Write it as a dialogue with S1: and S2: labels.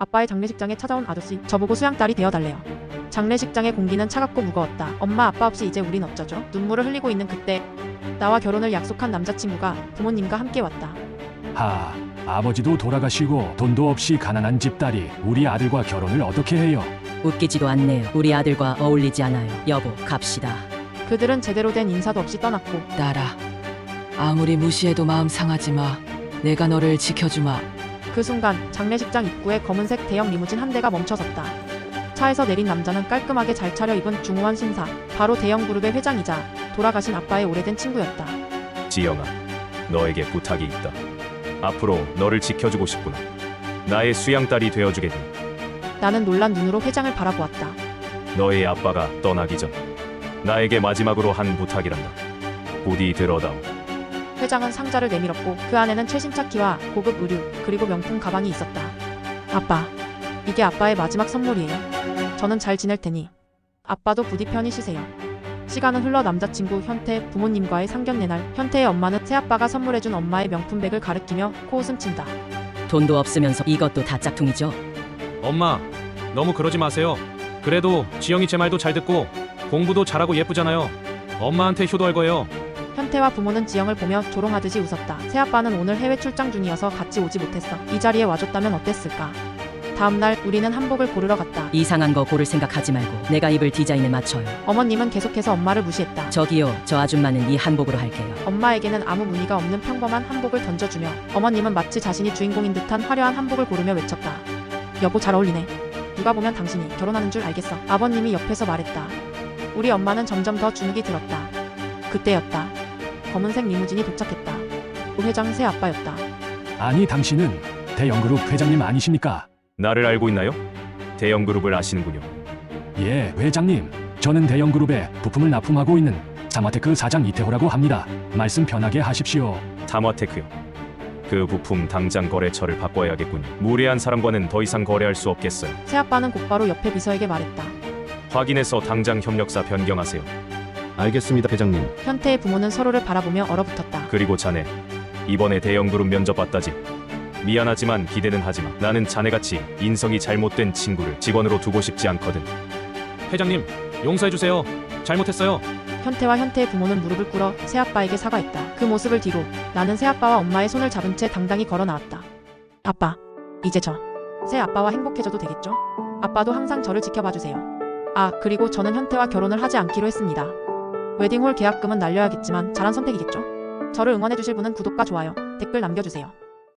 S1: 아빠의 장례식장에 찾아온 아저씨, 저보고 수양딸이 되어달래요. 장례식장의 공기는 차갑고 무거웠다. 엄마 아빠 없이 이제 우린 어쩌죠? 눈물을 흘리고 있는 그때 나와 결혼을 약속한 남자친구가 부모님과 함께 왔다.
S2: 아버지도 돌아가시고 돈도 없이 가난한 집딸이 우리 아들과 결혼을 어떻게 해요?
S3: 웃기지도 않네요. 우리 아들과 어울리지 않아요. 여보, 갑시다.
S1: 그들은 제대로 된 인사도 없이 떠났고
S4: 딸아, 아무리 무시해도 마음 상하지 마. 내가 너를 지켜주마.
S1: 그 순간 장례식장 입구에 검은색 대형 리무진 한 대가 멈춰섰다. 차에서 내린 남자는 깔끔하게 잘 차려입은 중후한 신사, 바로 대형 그룹의 회장이자 돌아가신 아빠의 오래된 친구였다.
S5: 지영아, 너에게 부탁이 있다. 앞으로 너를 지켜주고 싶구나. 나의 수양딸이 되어주겠니?
S1: 나는 놀란 눈으로 회장을 바라보았다.
S5: 너의 아빠가 떠나기 전 나에게 마지막으로 한 부탁이란다. 부디 들어다오.
S1: 회장은 상자를 내밀었고 그 안에는 최신차 키와 고급 의류 그리고 명품 가방이 있었다. 아빠, 이게 아빠의 마지막 선물이에요. 저는 잘 지낼 테니 아빠도 부디 편히 쉬세요. 시간은 흘러 남자친구 현태 부모님과의 상견례 날, 현태의 엄마는 새아빠가 선물해준 엄마의 명품백을 가리키며 코웃음 친다.
S3: 돈도 없으면서 이것도 다 짝퉁이죠?
S6: 엄마, 너무 그러지 마세요. 그래도 지영이 제 말도 잘 듣고 공부도 잘하고 예쁘잖아요. 엄마한테 효도할 거예요.
S1: 현태와 부모는 지영을 보며 조롱하듯이 웃었다. 새아빠는 오늘 해외 출장 중이어서 같이 오지 못했어. 이 자리에 와줬다면 어땠을까? 다음날 우리는 한복을 고르러 갔다.
S3: 이상한 거 고를 생각하지 말고 내가 입을 디자인에 맞춰요.
S1: 어머님은 계속해서 엄마를 무시했다.
S3: 저기요, 저 아줌마는 이 한복으로 할게요.
S1: 엄마에게는 아무 무늬가 없는 평범한 한복을 던져주며 어머님은 마치 자신이 주인공인 듯한 화려한 한복을 고르며 외쳤다. 여보, 잘 어울리네. 누가 보면 당신이 결혼하는 줄 알겠어. 아버님이 옆에서 말했다. 우리 엄마는 점점 더 주눅이 들었다. 그때였다. 검은색 리무진이 도착했다. 그 회장 새아빠였다.
S2: 아니, 당신은 대형그룹 회장님 아니십니까?
S5: 나를 알고 있나요? 대형그룹을 아시는군요.
S2: 예, 회장님. 저는 대형그룹에 부품을 납품하고 있는 사마테크 사장 이태호라고 합니다. 말씀 편하게 하십시오.
S5: 타마테크요. 그 부품 당장 거래처를 바꿔야겠군요. 무례한 사람과는 더 이상 거래할 수 없겠어요.
S1: 새아빠는 곧바로 옆에 비서에게 말했다.
S5: 확인해서 당장 협력사 변경하세요.
S7: 알겠습니다, 회장님.
S1: 현태의 부모는 서로를 바라보며 얼어붙었다.
S5: 그리고 자네, 이번에 대형그룹 면접 봤다지? 미안하지만 기대는 하지마. 나는 자네같이 인성이 잘못된 친구를 직원으로 두고 싶지 않거든.
S6: 회장님, 용서해주세요. 잘못했어요.
S1: 현태와 현태의 부모는 무릎을 꿇어 새아빠에게 사과했다. 그 모습을 뒤로 나는 새아빠와 엄마의 손을 잡은 채 당당히 걸어 나왔다. 아빠, 이제 저 새아빠와 행복해져도 되겠죠? 아빠도 항상 저를 지켜봐주세요. 아, 그리고 저는 현태와 결혼을 하지 않기로 했습니다. 웨딩홀 계약금은 날려야겠지만 잘한 선택이겠죠? 저를 응원해주실 분은 구독과 좋아요, 댓글 남겨주세요.